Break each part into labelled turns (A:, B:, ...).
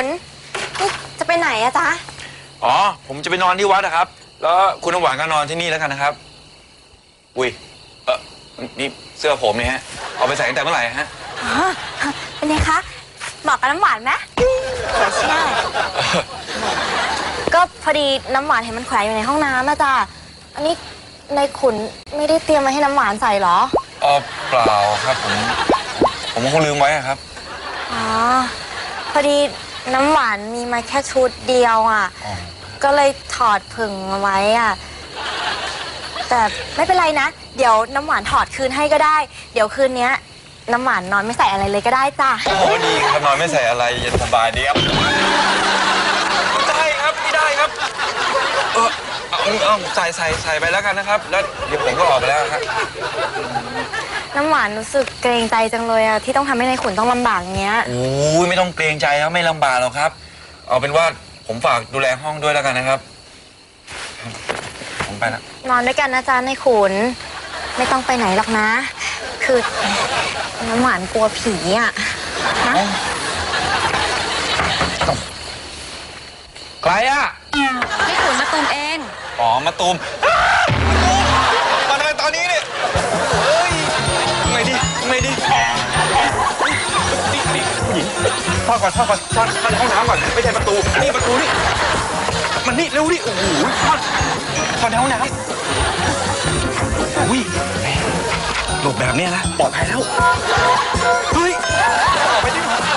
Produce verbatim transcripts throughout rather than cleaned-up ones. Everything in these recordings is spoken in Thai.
A: นนี่จะไปไหนอะจ๊ะ
B: อ๋อผมจะไปนอนที่วัดนะครับแล้วคุณน้ำหวานก็นอนที่นี่แล้วกันนะครับอุ้ยเออนี่เสื้อผมเนี่ยฮะเอาไปใส่ตั้งแต่เมื่อไหร่ฮะ
A: อ๋อเป็นไงคะบอกกับน้ำหวานไหมสวยใช่ก็พอดีน้ำหวานเห็นมันแขวนอยู่ในห้องน้ำนะจ๊ะอันนี้ในขุนไม่ได้เตรียมมาให้น้ำหวานใส่หรอ
B: อ๋อเปล่าครับผมผมคงลืมไว้ครับ
A: อ๋อพอดีน้ำหวานมีมาแค่ชุดเดียวอ่ะก็เลยถอดผึ่งมาไว้อ่ะแต่ไม่เป็นไรนะเดี๋ยวน้ำหวานถอดคืนให้ก็ได้เดี๋ยวคืนนี้น้ำหวานนอนไม่ใส่อะไรเลยก็ได้จ้ะ
B: โอ้ดีครับนอนไม่ใส่อะไรเย็นสบายดีครับได้ครับไม่ได้ครับเออเอาเอาใส่ใส่ใส่ไปแล้วกันนะครับแล้วเดี๋ยวผมก็ออกไปแล้วครับ
A: น้ำหวานรู้สึกเกรงใจจังเลยอะที่ต้องทำให้นายขุนต้องลำบากเงี้ย
B: โอ้ยไม่ต้องเกรงใจครับไม่ลำบากหรอกครับเอาเป็นว่าผมฝากดูแลห้องด้วยแล้วกันนะครับผมไปแล้ว
A: นอนด้วยกันนะจ๊ะนายขุนไม่ต้องไปไหนหรอกนะคือน้ำหวานกลัวผีอะนะ
B: ใครอะ
A: พี่ขุนมาตูมเอง
B: อ๋อมาตูมมาทำไมตอนนี้เนี่ยเฮ้ยไงดีไงดีนี่นี่ผู้หญิงพ่อก่อนพ่อก่อนซ่อนซ่อนห้องน้ำก่อนไม่ใช่ประตูนี่ประตูนี่มันนี่เร็วดิโอ้โหซ่อนซ่อนในห้องน้ำอุ้ยหลบแบบนี้นะปลอดภัยแล้วเฮ้ยออกไปดิ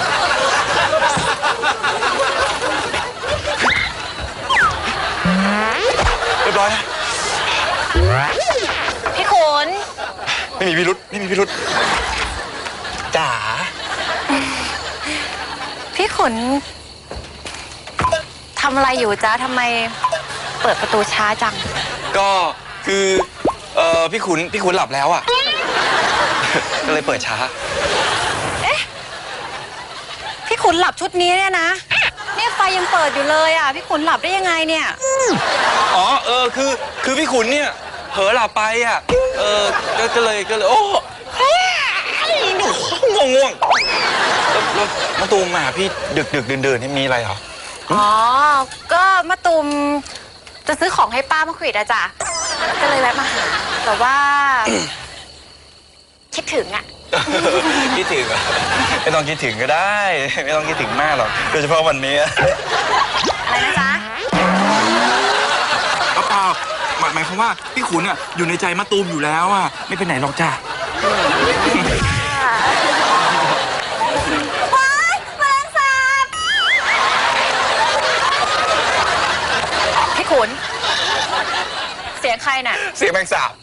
B: เรียบร้อยนะ
A: พี่ขุน
B: ไม่มีพิรุธไม่มีพิรุธจ๋า
A: พี่ขุนทำอะไรอยู่จ๊ะทำไมเปิดประตูช้าจัง
B: ก็คือเอ่อพี่ขุนพี่ขุนหลับแล้วอ่ะก็เลยเปิดช้า
A: เอ๊ะพี่ขุนหลับชุดนี้เนี่ยนะเนี่ยไฟยังเปิดอยู่เลยอ่ะพี่ขุนหลับได้ยังไงเนี่ย
B: อ๋อเออคือคือพี่ขุนเนี่ยเผลอหลับไปอ่ะเออก็เลยก็เลยโอ้ง่วงง่วงแล้วมาตูมมาพี่ดึกดึกเดินเดินนี่มีอะไรเหรอ
A: อ๋อก็มาตูมจะซื้อของให้ป้ามะขวิดอะจ้ะก็เลยแวะมาหาแต่ว่าคิดถึงอะ
B: คิดถึงไม่ต้องคิดถึงก็ได้ไม่ต้องคิดถึงมากหรอกโดยเฉพาะวันนี้
A: อะไรนะจ๊ะ
B: เปล่าหมายความว่าพี่ขุนอ่ะอยู่ในใจมะตูมอยู่แล้วอ่ะไม่ไปไหนหรอกจ้ะ
A: ว้ายแมลงสาบพี่ขุนเสียงใครน่ะ
B: เสียงแมงสาบ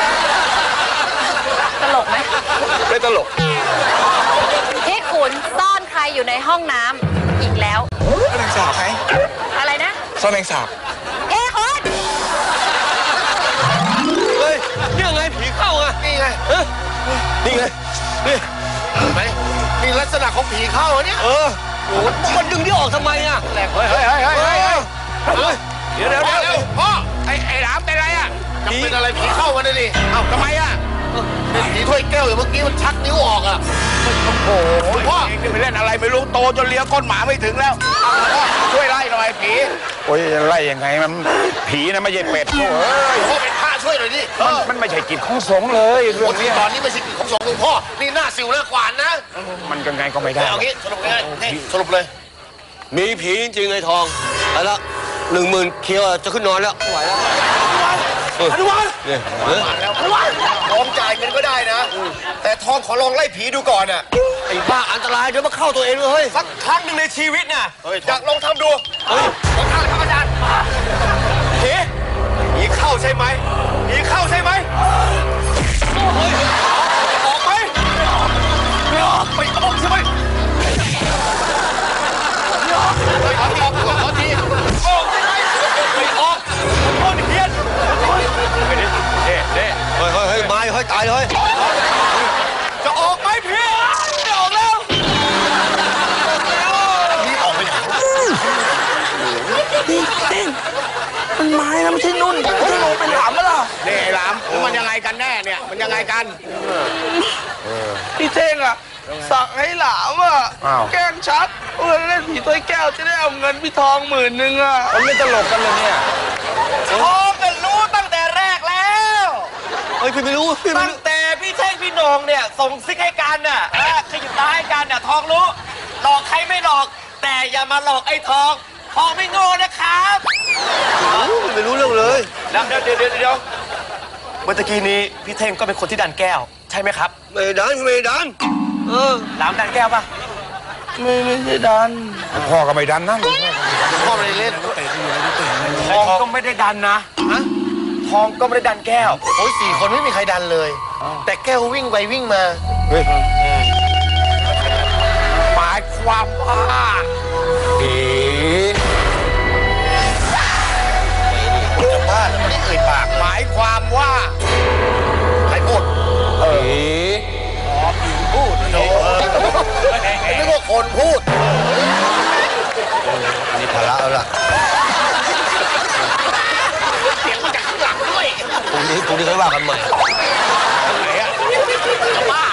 A: ตลกไหม
B: ไม่ตลก
A: พี่ขุนซ่อนใครอยู่ในห้องน้ำอีกแล้ว
B: แมงสาบไหม
A: อะไรนะ
B: ซ่อนแมงสาบ
A: เฮ้ขุน
B: เฮ้ยนี่ไงผีเข้าอ่ะนี่ไงเออนี่ไงนี่
C: เห็นไหมนี่ลักษณะของผีเข้าเนี่ย
B: เออโอ้มันดึงที่ออกทำไมอ่ะ
C: เฮ้ยเฮ้ยเฮ้ยเฮ้ยเฮ้ย
B: เดี๋ยวเดี๋ยวเดี๋ยว
C: พ่อไอ้ไอ้หลามเป็นไรอ่ะจะเป็นอะไรผีเข้ามาเลยดิเอ้าทำไมอ่ะเป็นผีถ้วยแก้วอย่างเมื่อกี้มันชักนิ้วออกอ่ะโอ้โหพ่อนี่ไปเล่นอะไรไม่รู้โตจนเลี้ยก้นหมาไม่ถึงแล้วช่วยไล่หน่อยผี
D: โอ้ยไล่ยังไงมันผีนะไม่ใช่เป็ดโอ้
C: ยพ่อเป็นพระช่วยหน่อยดิ
D: มันไม่ใช่กิจของสงฆ์เลยเรื่องนี้
C: ตอนนี้ไม่ใช่กิจของสงฆ์พ่อนี่หน้าสิวหน้ากวานนะ
D: มันยังไงก็ไม่ได้
C: เอางี้สรุปง่ายนี่สรุปเลย
E: มีผีจริงไอ้ทองไปละหนึ่งหมื่นเคียวจะขึ้นนอนแล้วไหวแล้ว
C: อนุวัฒน์อนุวัฒน์พร้อมจ่ายเงินก็ได้นะแต่ทองขอลองไล่ผีดูก่อนอ่ะ
E: ไอ้บ้าอันตรายเดี๋ยวมาเข้าตัวเองเลยเฮ้ย
C: สักครั้งหนึ่งในชีวิตน่ะอยากลองทำดูเฮ้ยลองทำเลยครับอาจารย์ผีผีเข้าใช่ไหมผีเข้าใช่ไหมออกไหมไม่ออกไม่ออกใช่ไหมไม่ออกไม่ออกขอทีขอทีออกใช่ไหมไม่ออกโอ้ยเพี้ยน
E: ไปดิเด้เด้เฮ้ยเฮ้ยเฮ้ยมาเฮ้ยตายเลย
C: จะออกไหมเพี้ยนไม่ออกแล้วนี่ออกไปไหน
D: เต้นมันไม้นะไม่ใช่นุ่นจะลงไปหลามมั้ยล่ะ
C: นี่หลามมันยังไงกันแน่เนี่ยมันยังไงกัน
D: พี่เท่งอ่ะสั่งให้หลามอ่ะแกล้งชักเออเล่นผีถ้วยแก้วจะได้เอาเงินพี่ทองหมื่นหนึ่งอ่ะ
B: มันไม่ตลกกันเลยเนี่ย
D: ทองกันรู้ตั้งแต่แรกแล้ว
E: เฮ้ยพี่ไม่รู้พี่ไม่
D: ตั้ง
E: รู้
D: แต่พี่เท่งพี่โหนงเนี่ยส่งซิกให้กันน่ะอ่ะขยิบตาให้กันน่ะทองรู้หลอกใครไม่หลอก แต่อย่ามาหลอกไอ้ทองทองไม่โง่นะครับ
E: ไม่รู้เรื่องเลย
B: แล้วเดี๋ยวเดี๋ยวเดี๋ยวเมื่อกี้นี้พี่เท่งก็เป็นคนที่ดันแก้ว ใช่ไหมครับ
E: ไม่ดันไม่ดันเออ
B: หลามดันแก้วป่ะ
D: ไม่ไม่ใช่ดัน
C: พ่อก็ไม่ดันนะลูก
E: พ่อไม่ได้เล่น
B: ทองก็ไม่ได้ดันนะทองก็ไม่ได้ดันแก้ว
E: โอ้ยสี่คนไม่มีใครดันเลย แต่แก้ววิ่งไปวิ่งมา
C: หมายความว่า
E: ผี
C: จะบ้าแล้วไม่ได้เอ่ยปากหมายความว่าใครพูด
E: ผี
C: พูดโอ้
E: ไม่ว่าคนพูดนี่ภาระแล้วล่ะ
C: เสียงมาจากข้างหลังด้วย
E: พรุ่งนี้พรุ่งนี้ค่อยว่ากันใหม่
C: ไหนอะจะบ้า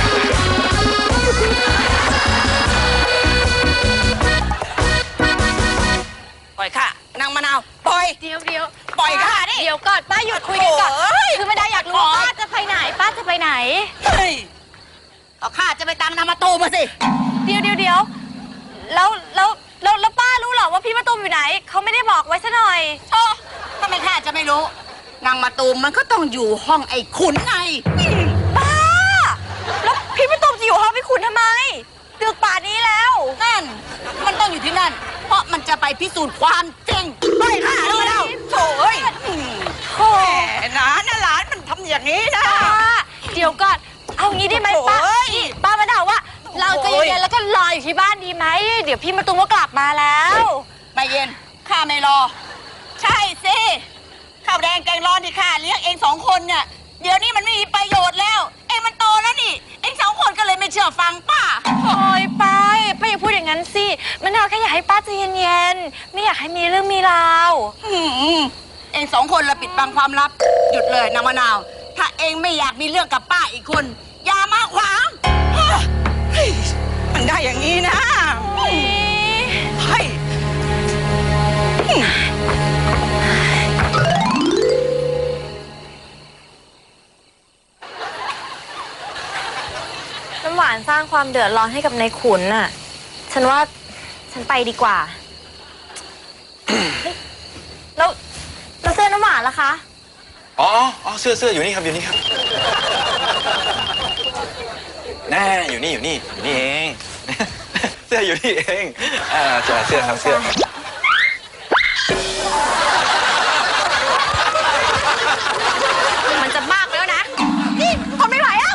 F: ปล่อยค่ะนางมะนาวปล่อย
A: เดี๋ยวเดี๋ยว
F: ปล่อยค่ะดิ
A: เดี๋ยวก่อนป้าหยุดคุยกันก่อน
F: โอ้ย
A: คือไม่ได้อยากรู้
F: ปล่อย
A: ป้าจะไปไหน ป้าจะไปไหน
F: เฮ้ยเอาข้าจะไปตามนางมาตูมมาสิ
A: เดี๋ยวเดี๋ยวเดี๋ยวแล้วแล้วแล้วแล้วป้ารู้เหรอว่าพี่มะตูมอยู่ไหน เขาไม่ได้บอกไว้ซะหน่อย
F: โอ้ทำไมข้าจะไม่รู้นางมาตูมมันก็ต้องอยู่ห้องไอ้ขุนไง
A: ป้า แล้วพี่มะตูมจะอยู่ห้องพี่ขุนทำไมดึกป่านนี้แล้ว
F: นั่น มันต้องอยู่ที่นั่น เพราะมันจะไปพิสูจน์ความจริงไปค่ะนางมะนาวโถ่เอ้ย
A: โอ้
F: แหมนะน่าหลานมันทำอย่างนี้นะ
A: ป้าเดี๋ยวก่อน เอางี้ได้ไหมป้า
F: โอ้ย
A: นี่ป้ามะนาวว่า เราจะ
F: โอ้ย
A: เย็นๆแล้วก็รออยู่ที่บ้านดีไหม เดี๋ยวพี่มะตูมก็กลับมาแล้ว
F: ไม่เย็นข้าไม่รอ ใช่สิข้าวแดงแกงร้อนที่ข้าเลี้ยงเองสองคนเนี่ยเดี๋ยวนี้มันไม่มีประโยชน์แล้ว เองมันโตแล้วนี่ เองสองคนก็เลยไม่เชื่อฟังป้า
A: โอ้ยป้าป้าอย่าพูดอย่างนั้นสิมะนาวแค่อยากให้ป้าใจเย็นๆ ไม่อยากให้มีเรื่องมีราว
F: อืมเองสองคนละปิดบังความลับ หยุดเลยนางมะนาว ถ้าเองไม่อยากมีเรื่องกับป้าอีกคน อย่ามาขวางเฮ้ยมันได้อย่างนี้นะเฮ้ย
A: น้ำหวานสร้างความเดือดร้อนให้กับนายขุนน่ะ ฉันว่าฉันไปดีกว่า เฮ้ยแล้วแล้วเสื้อน้ำหวานล่ะคะ
B: อ๋ออ๋อเสื้อเสื้ออยู่นี่ครับอยู่นี่ครับแน่อยู่นี่อยู่นี่อยู่นี่เอง เสื้ออยู่นี่เองอ่าเสื้อเสื้อครับเสื้อ
F: มันจะมากแล้วนะ นี่ทนไม่ไหวแล้ว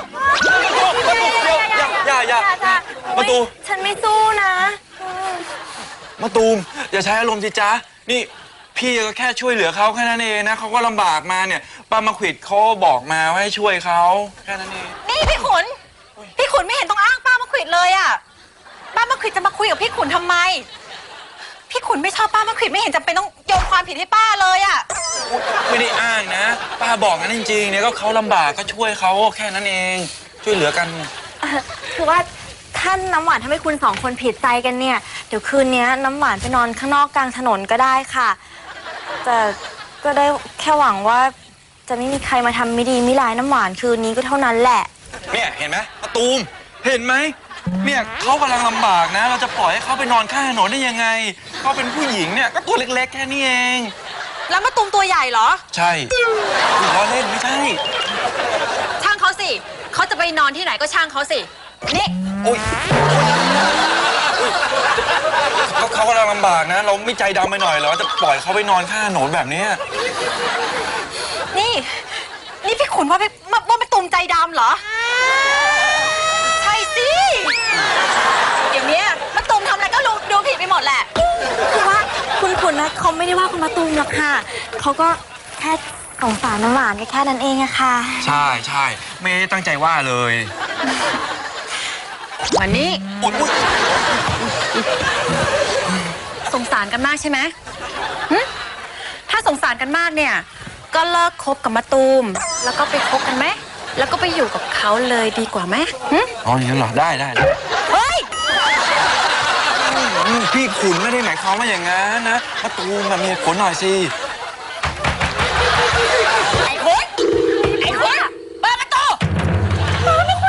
B: อย่าอย่าอย่ามาตูม
A: ฉันไม่สู้นะ
B: มาตูมอย่าใช้อารมณ์สิจ๊ะนี่พี่ก็แค่ช่วยเหลือเขาแค่นั้นเองนะเขาก็ลำบากมาเนี่ยป้ามาขวิดเขาบอกมาว่าให้ช่วยเขาแค่นั้นเอง
A: นี่พี่ขุน พี่ขุนไม่เห็นต้องอ้างป้ามาขวิดเลยอะป้ามาขวิดจะมาคุยกับพี่ขุนทำไม พี่ขุนไม่ชอบป้ามาขวิดไม่เห็นจำเป็นต้องโยนความผิดให้ป้าเลยอะ
B: ไม่ได้อ้างนะ ป้าบอกงั้นจริงๆเนี่ยก็เขาลำบากก็ช่วยเขาแค่นั้นเองช่วยเหลือกัน
A: เอ่อคือว่าท่านน้ำหวานทำให้คุณสองคนผิดใจกันเนี่ย เดี๋ยวคืนนี้น้ำหวานไปนอนข้างนอกกลางถนนก็ได้ค่ะ แต่ก็ได้แค่หวังว่าจะไม่มีใครมาทำไม่ดีไม่ร้ายน้ำหวานคืนนี้ก็เท่านั้นแหละ
B: เนี่ยเห็นไหมมาตูมเห็นไหมเนี่ยเขากำลังลำบากนะ เราจะปล่อยให้เขาไปนอนข้างถนนได้ยังไงเขาเป็นผู้หญิงเนี่ยก็ตัวเล็กๆแค่นี้เอง
F: แล้วมาตูมตัวใหญ่เหรอ
B: ใช่คุณล้อเล่นไม่ใช่
F: ช่างเขาสิ เขาจะไปนอนที่ไหนก็ช่างเขาสิ นี่
B: โอ๊ยเขาเขากำลังลำบากนะ เราไม่ใจดำไปหน่อยเหรอจะปล่อยเขาไปนอนข้างถนนแบบนี้
A: นี่ นี่พี่ขุนว่าพี่ว่าว่าเป็นตุ่มใจดำเหรอ
F: ใช่สิ เดี๋ยวนี้มาตูมทำอะไรก็รู้ดูผิดไปหมดแหละ
A: คือว่าคุณขุนนะเขาไม่ได้ว่าคุณมาตูมหรอกค่ะเขาก็แค่สงสารน้ำหวานแค่นั้นเองอะค่ะ
B: ใช่ใช่ไม่ได้ตั้งใจว่าเลย
F: วันนี้
B: อุ๊ยอุ๊ย
F: สงสารกันมากใช่ไหมหึถ้าสงสารกันมากเนี่ย ก็เลิกคบกับมาตูม แล้วก็ไปคบกันไหมแล้วก็ไปอยู่กับเขาเลยดีกว่าไหมหึ
B: อ๋ออย่างนั้นเหรอได้ได้ได้
F: เฮ้ย
B: อืมพี่ขุนไม่ได้หมายความว่าอย่างนั้นนะมะตูมมันมีเหตุผลหน่อยสิ
F: ไอ้คุณไอ้คุณเปิดประตูเปิดประตู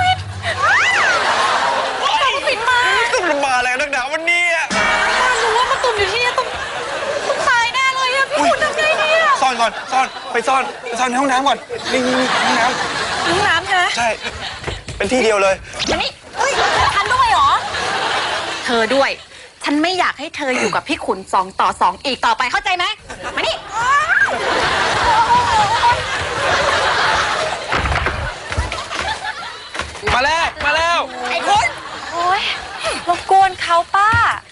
F: ปิดมา
B: ต้องมาอะไรนักหนาวันนี้
F: รู้ว่ามาตุ่มอยู่ที่นี่ต้องต้องตายแน่เลยอะพี่คุณทำไงดีอะ
B: ซ่อนก่อนซ่อนไปซ่อนไปซ่อนในห้องน้ำก่อนนี่นี่นี่ห้องน้
F: ห้องน้ำใช่ไหม
B: ำใช่เป็นที่เดียวเลย
F: มานี่เฮ้ยทันด้วยเหรอ เธอด้วย ฉันไม่อยากให้เธออยู่กับพี่ขุนสองต่อสองอีกต่อไปเข้าใจไหมมานี่
B: มาแล้วมาแล้ว
F: ไอ้คุณ
A: โอ๊ยรบกวนเขาป้า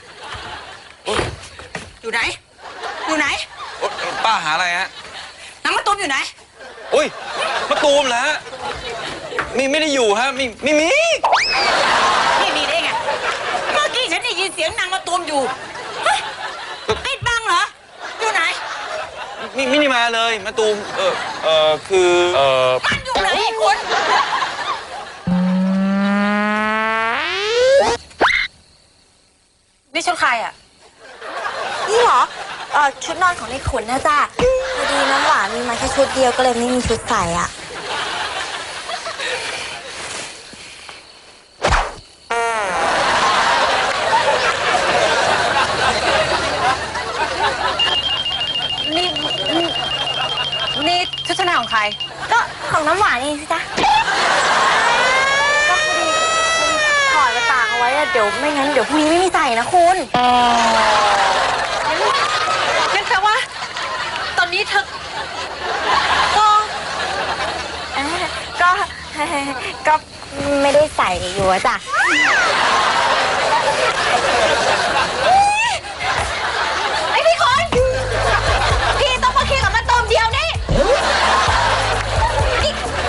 F: อยู่ไหน อยู่ไหน
B: โอ๊ยป้าหาอะไรฮะ
F: น้ำมะตูมอยู่ไหน
B: อุ้ยมะตูมเหรอฮะมีไม่ได้อยู่ฮะมีไม่มี
F: นี่มีได้ไง เมื่อกี้ฉันได้ยินเสียงนางมะตูมอยู่เฮ้ยปิดบังเหรอ อยู่ไหน
B: มีไม่ได้มาเลยมะตูมเออเออคือเออ
F: มันอยู่ไหนไอ้คุณนี่ชุดใครอ่ะ
A: นี่เหรอเออชุดนอนของในขุนนะจ๊ะพอดีน้ำหวานมีมาแค่ชุดเดียวก็เลยไม่มีชุดใส่อ่ะ
F: นี่นี่นี่ชุดชั้นในของใคร
A: ก็ของน้ำหวานเองสิจ๊ะก็พอดีถอดมาตากเอาไว้อะเดี๋ยวไม่งั้นเดี๋ยวพรุ่งนี้ไม่มีใส่นะคุณ
F: งั้นแปลว่า ตอนนี้เธอ
A: ก็เอ้ยก็ ก็ไม่ได้ใส่อยู่อะจ้ะ
F: ไอพี่คน พี่ต้องมาเคลียร์กับมาตูมเดียวนี่นี่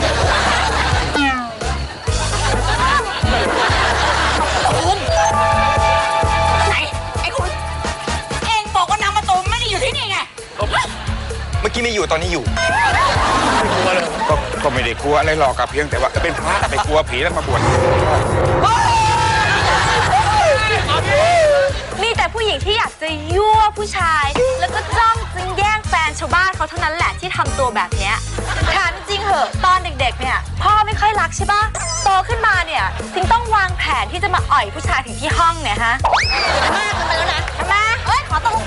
F: คุณไหน ไอ้คุณ เองบอกว่านางมาตูมไม่ได้อยู่ที่นี่ไง
B: เมื่อกี้ไม่อยู่ตอนนี้อยู่
C: ก็ก็ไม่ได้กลัวอะไรหรอกกับเพียงแต่ว่าเป็นพระไปกลัวผีแล้วมาบวช
A: มีแต่ผู้หญิงที่อยากจะยั่วผู้ชาย แล้วก็จ้องจึงแย่งแฟนชาวบ้านเขาเท่านั้นแหละที่ทำตัวแบบเนี้ยถามจริงเหอะตอนเด็กๆเนี่ยพ่อไม่ค่อยรักใช่ปะโตขึ้นมาเนี่ยถึงต้องวางแผนที่จะมาอ่อยผู้ชายถึงที่ห้องเนี่ยฮะมากเกินไปแล้วนะทำไมเอ้ยขอตรง